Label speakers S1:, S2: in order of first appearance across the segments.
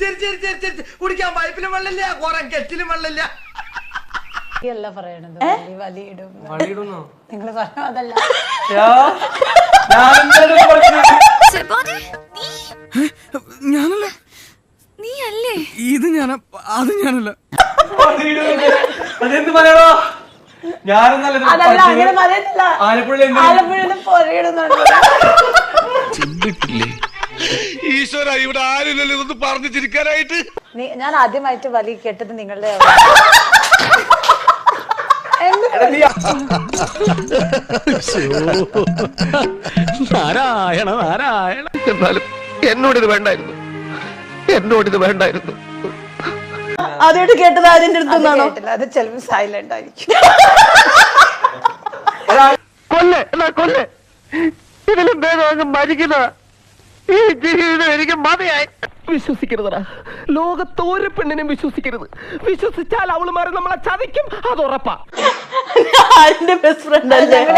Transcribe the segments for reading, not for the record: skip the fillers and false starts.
S1: ശരി ശരി ശരി ശരി കുടിക്കാൻ പൈപ്പിലും വെള്ളമില്ല കുറെ കെറ്റിലും വെള്ളമില്ല
S2: പറയണത് നിങ്ങൾ പറഞ്ഞ അതല്ല
S3: ഞാനല്ല
S4: നീ അല്ലേ
S3: ഇത് ഞാനാ അത് ഞാനല്ല
S1: അതെന്ത് പറയണോ ഈശ്വര ഇവിടെ ആരില്ലല്ലോ ഇതൊന്ന് പറഞ്ഞു ചിരിക്കാനായിട്ട്.
S2: ഞാൻ ആദ്യമായിട്ട് വലി കേട്ടത് നിങ്ങളുടെ
S1: നാരായണ നാരായണ. എന്നാലും എന്നോടിത് വേണ്ടായിരുന്നു, എന്നോടിത് വേണ്ടായിരുന്നു.
S2: ആദ്യമായിട്ട് കേട്ടത് ആര്യന്റെ അടുത്തുനിന്നാണോ? അത് ചിലപ്പോൾ സൈലന്റ് ആയിരിക്കും.
S1: കൊല്ലെ എന്നാ കൊല്ലെ, ഇതിലും ഭേദം മരിക്കുന്ന ഈ ജീവിതം എനിക്ക് മതിയായി. വിശ്വസിക്കരുതടാ, ലോകത്ത് ഒരു പെണ്ണിനും വിശ്വസിക്കരുത്. വിശ്വസിച്ചാൽ അവളുമാരെ നമ്മളെ ചതിക്കും, അത് ഉറപ്പാ.
S2: ആര്യന്റെ ബെസ്റ്റ് ഫ്രണ്ട്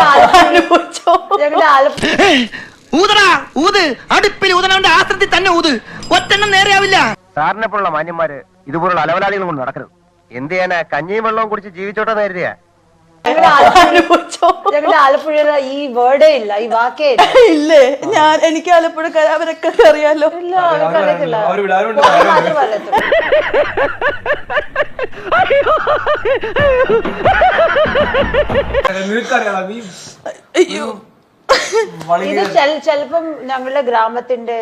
S5: ഊതടാ ഊത്, അടുപ്പിൽ ഊതനവന്റെ ആശ്രത്തിൽ തന്നെ ഊത്, ഒറ്റെണ്ണം നേരെയാവില്ല.
S6: സാറിനെ പോലുള്ള മാന്യന്മാര് ഇതുപോലുള്ള അലവലാളികൾ കൊണ്ട് നടക്കരുത്. എന്ത് ചെയ്യാനാ, കഞ്ഞിയും വെള്ളവും കുടിച്ച് ജീവിച്ചോട്ടെ നേരിയ.
S2: ഞങ്ങളുടെ ആലപ്പുഴ ഈ വേർഡേ ഇല്ല, ഈ വാക്കേ ഇല്ലേ. എനിക്ക് ആലപ്പുഴ അവരൊക്കെ അറിയാലോ. ഇല്ല, അറിയത്തില്ല.
S3: അയ്യോ
S2: ഇത് ചെലപ്പം ഞങ്ങളുടെ ഗ്രാമത്തിന്റെ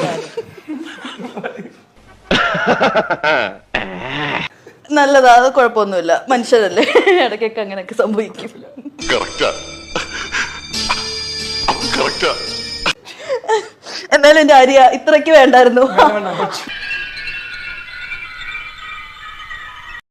S7: നല്ലതാ, അത് കുഴപ്പമൊന്നുമില്ല, മനുഷ്യരല്ലേ, ഇടയ്ക്കൊക്കെ അങ്ങനെയൊക്കെ സംഭവിക്കും. എന്നാലും എന്റെ ആര്യ ഇത്രയ്ക്ക് വേണ്ടായിരുന്നു.